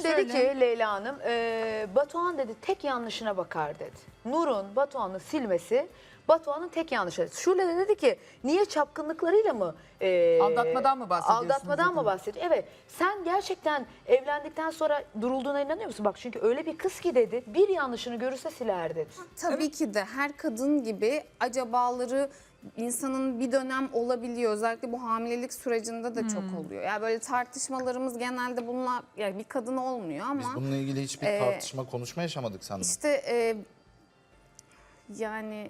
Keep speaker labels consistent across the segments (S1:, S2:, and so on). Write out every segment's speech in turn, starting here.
S1: dedi
S2: Söyle.
S1: ki Leyla Hanım, Batuhan dedi tek yanlışına bakar dedi. Nur'un Batuhan'ı silmesi Batuhan'ın tek yanlışı. Şule de dedi ki niye çapkınlıklarıyla mı?
S2: Aldatmadan mı bahsediyorsunuz
S1: Aldatmadan mı
S2: dedim.
S1: bahsediyor? Evet. Sen gerçekten evlendikten sonra durulduğuna inanıyor musun? Bak çünkü öyle bir kız ki dedi bir yanlışını görürse siler dedi.
S3: Tabii ki de her kadın gibi acabaları insanın bir dönem olabiliyor. Özellikle bu hamilelik sürecinde de çok oluyor. Yani böyle tartışmalarımız genelde bununla, yani bir kadın olmuyor ama
S4: Biz bununla ilgili hiçbir tartışma, konuşma yaşamadık seninle.
S3: işte yani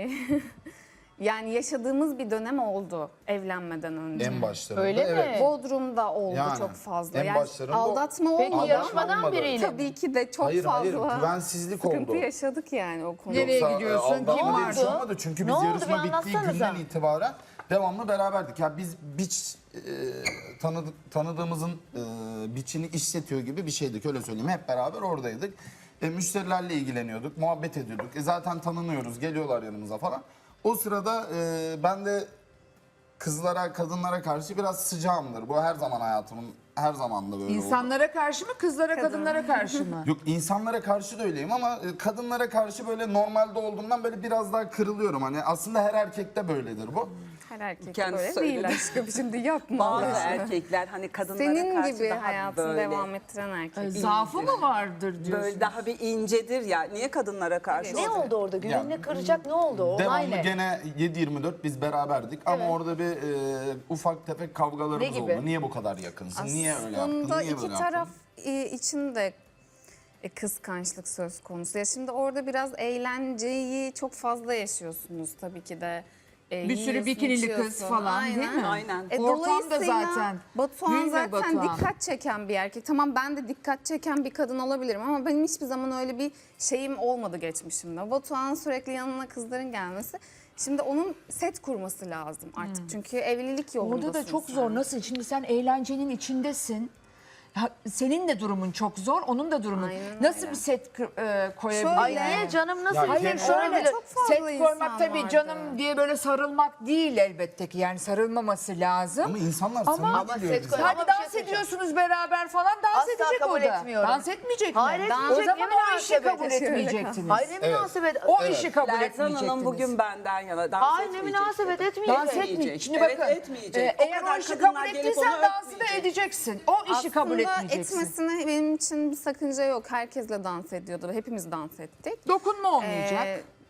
S3: yani yaşadığımız bir dönem oldu evlenmeden önce.
S4: En başlarında
S1: Öyle mi?
S4: evet.
S3: Bodrum'da oldu
S4: Yani,
S3: çok fazla.
S4: en
S3: Yani
S4: başlarında
S3: aldatma
S1: Peki
S3: olmadı.
S1: yarışmadan
S4: olmadı.
S1: biriyle mi?
S3: Tabii ki de çok
S4: Hayır hayır,
S3: fazla
S4: güvensizlik
S3: sıkıntı
S4: oldu.
S3: yaşadık yani o konuda.
S2: Nereye
S4: Yoksa,
S2: gidiyorsun?
S4: aldatma
S2: Kim
S4: diye bir şey
S1: vardı?
S4: olmadı. Çünkü
S1: Ne
S4: biz
S1: oldu?
S4: yarışma
S1: Bir
S4: bittiği
S1: anlatsanıza.
S4: günden itibaren devamlı beraberdik. Ya biz biç tanıdığımızın biçini işletiyor gibi bir şeydik, öyle söyleyeyim. Hep beraber oradaydık. Müşterilerle ilgileniyorduk, muhabbet ediyorduk. Zaten tanınıyoruz, geliyorlar yanımıza falan. O sırada ben de kızlara, kadınlara karşı biraz sıcağımdır. Bu her zaman hayatımın her zaman da böyle oldu.
S2: İnsanlara karşı mı, kızlara, kadınlara karşı mı?
S4: Yok, insanlara karşı da öyleyim ama kadınlara karşı böyle normalde olduğumdan böyle biraz daha kırılıyorum. Hani aslında her erkekte böyledir bu.
S3: Her erkek
S5: Kendisi
S3: böyle
S5: söyledi.
S3: değil aşkım, şimdi yapma.
S5: Bazı
S3: Allah aşkına.
S5: erkekler hani kadınlara
S3: Senin
S5: karşı
S3: gibi
S5: daha
S3: hayatını
S5: böyle,
S3: devam ettiren erkek.
S2: Zaafı mı vardır diyorsun?
S5: böyle daha bir incedir ya. Niye kadınlara karşı?
S1: Ne oldu orada? Güvenini kıracak ne oldu? Olay
S4: Devamlı
S1: ne?
S4: gene 7-24 biz beraberdik ama orada bir ufak tefek
S1: Ne
S4: kavgalarımız
S1: gibi?
S4: oldu. Niye bu kadar yakınsın? Niye öyle yaptın?
S3: Aslında
S4: Niye
S3: iki
S4: böyle
S3: taraf
S4: yaptın?
S3: için de kıskançlık söz konusu. Ya şimdi orada biraz eğlenceyi çok fazla yaşıyorsunuz tabii ki de.
S2: Bir sürü
S3: Yiyorsun,
S2: bikinili kız
S3: içiyorsun.
S2: falan değil mi?
S5: Aynen.
S2: Ortam da
S3: Dolayısıyla
S2: zaten.
S3: Batuhan
S2: Gül ve
S3: zaten
S2: Batuhan.
S3: dikkat çeken bir erkek. Tamam, ben de dikkat çeken bir kadın olabilirim ama benim hiçbir zaman öyle bir şeyim olmadı geçmişimde. Batuhan'ın sürekli yanına kızların gelmesi. Şimdi onun set kurması lazım artık. Çünkü evlilik yolundasın.
S2: Orada da çok
S3: sen.
S2: zor. Nasıl? Şimdi sen eğlencenin içindesin. Senin de durumun çok zor, onun da durumun.
S3: Aynen
S2: Nasıl
S3: öyle.
S2: bir set koyabilir?
S3: Şöyle.
S1: Ay niye canım nasıl?
S4: Ya
S2: Hayır
S4: Hayır,
S2: şöyle
S3: çok fazla
S2: set
S3: insan
S2: koymak tabii
S3: vardı.
S2: canım diye böyle sarılmak değil elbette ki, yani sarılmaması lazım.
S4: Ama insanlar
S2: Ama-
S4: samimi
S1: Ama
S4: geliyor
S1: set
S4: bize.
S1: koy-
S2: Hadi
S1: Ama bir şey
S2: dans
S1: söyleyeceğim.
S2: ediyorsunuz beraber falan, dans
S1: Asla
S2: edecek
S1: kabul
S2: o da.
S1: etmiyorum.
S2: Dans etmeyecek mi?
S1: Hayır,
S2: O
S1: etmeyecek.
S2: zaman
S1: Ne
S2: o işi
S1: münasebet.
S2: kabul etmeyecektiniz.
S1: Hayır ne münasebet.
S2: O işi kabul
S5: Lerzan
S2: etmeyecektiniz.
S5: Hanım bugün benden yana dans
S1: Hayır ne
S5: etmeyecek
S1: münasebet
S5: dedi.
S1: etmeyecek.
S2: Dans etmeyecek. Şimdi
S5: Evet,
S2: bakın,
S5: etmeyecek. O
S2: eğer o
S5: kadar
S2: işi
S5: kadınlar
S2: kabul
S5: gelip
S2: ettiysen
S5: onu
S2: dansı da
S5: öpmeyecek.
S2: edeceksin. O işi kabul etmeyeceksin.
S3: Etmesine benim için bir sakınca yok. Herkesle dans ediyordu. Hepimiz dans ettik.
S2: Dokunma olmayacak.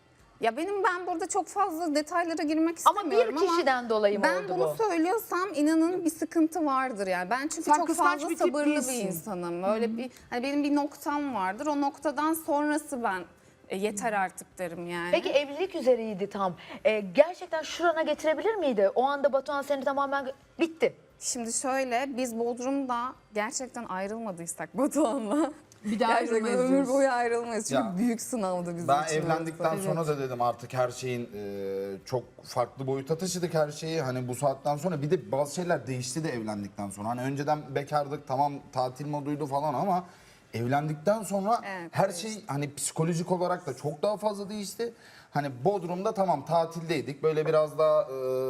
S3: Ya ben burada çok fazla detaylara girmek
S1: Ama
S3: istemiyorum
S1: bir kişiden dolayı mı
S3: ben
S1: oldu
S3: bunu
S1: bu?
S3: söylüyorsam inanın bir sıkıntı vardır yani. Ben çünkü
S2: Sen
S3: çok
S2: kıskanç
S3: fazla
S2: bir tip
S3: sabırlı
S2: değilsin.
S3: bir insanım. Öyle bir hani benim bir noktam vardır. O noktadan sonrası ben yeter artık derim yani.
S1: Peki evlilik üzereydi tam. Gerçekten şurana getirebilir miydi? O anda Batuhan seni tamamen bitti.
S3: Şimdi şöyle, biz Bodrum'da gerçekten ayrılmadıysak Batuhan'la
S2: Bir daha
S3: gerçekten
S2: ayrılmayız
S3: ömür
S2: diyorsun.
S3: boyu ayrılmayız. Çünkü
S4: Ya,
S3: büyük sınavdı bizim
S4: Ben
S3: için.
S4: evlendikten sonra da dedim artık her şeyin çok farklı boyuta taşıdık her şeyi. Hani bu saatten sonra bir de bazı şeyler değişti de evlendikten sonra. Hani önceden bekardık, tamam tatil moduydu falan ama evlendikten sonra
S3: Evet,
S4: her şey hani psikolojik olarak da çok daha fazla değişti. Hani Bodrum'da tamam tatildeydik, böyle biraz daha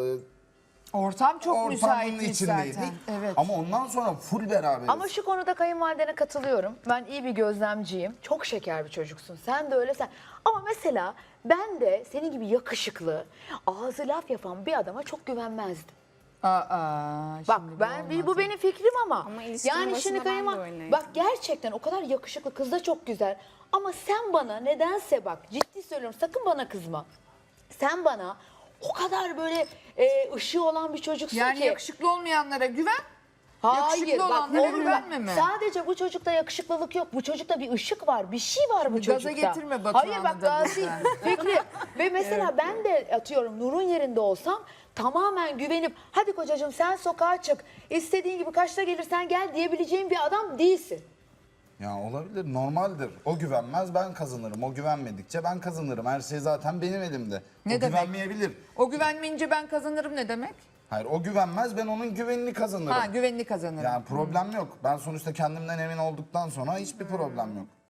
S2: Ortam çok
S4: ortamın
S2: müsaitmiş
S4: içindeydik.
S2: zaten. Evet.
S4: Ama ondan sonra full beraberiz.
S1: Ama şu konuda kayınvalidene katılıyorum. Ben iyi bir gözlemciyim. Çok şeker bir çocuksun. Sen de öyle sen. Ama mesela ben de senin gibi yakışıklı, ağzı laf yapan bir adama çok güvenmezdim. Bak
S2: şimdi
S1: bu
S2: olmaz.
S1: benim fikrim ama.
S3: Ama ilişkinin başında ben de öyleydim.
S1: Bak gerçekten o kadar yakışıklı, kız da çok güzel. Ama sen bana nedense bak ciddi söylüyorum, sakın bana kızma. Sen bana o kadar böyle ışığı olan bir çocuksun
S2: Yani
S1: ki.
S2: yakışıklı olmayanlara güven.
S1: Hayır
S2: yakışıklı
S1: bak
S2: olanlara
S1: olur bak.
S2: güvenme mi?
S1: Sadece bu çocukta yakışıklılık yok. Bu çocukta bir ışık var. Bir şey var bu
S2: Gaza
S1: çocukta.
S2: getirme Batuhan'ı
S1: Hayır bak
S2: da
S1: gazi
S2: buradan.
S1: Fikri. Ve mesela ben de atıyorum Nur'un yerinde olsam tamamen güvenip hadi kocacığım sen sokağa çık. İstediğin gibi kaçta gelirsen gel diyebileceğin bir adam değilsin.
S4: Ya olabilir, normaldir. O güvenmez, ben kazanırım. O güvenmedikçe ben kazanırım. Her şey zaten benim elimde.
S2: Ne
S4: o
S2: demek?
S4: güvenmeyebilir.
S2: O güvenmeyince ben kazanırım ne demek?
S4: Hayır, o güvenmez, ben onun güvenini kazanırım.
S2: Ha, güvenini kazanırım.
S4: Yani problem yok. Ben sonuçta kendimden emin olduktan sonra hiçbir problem yok.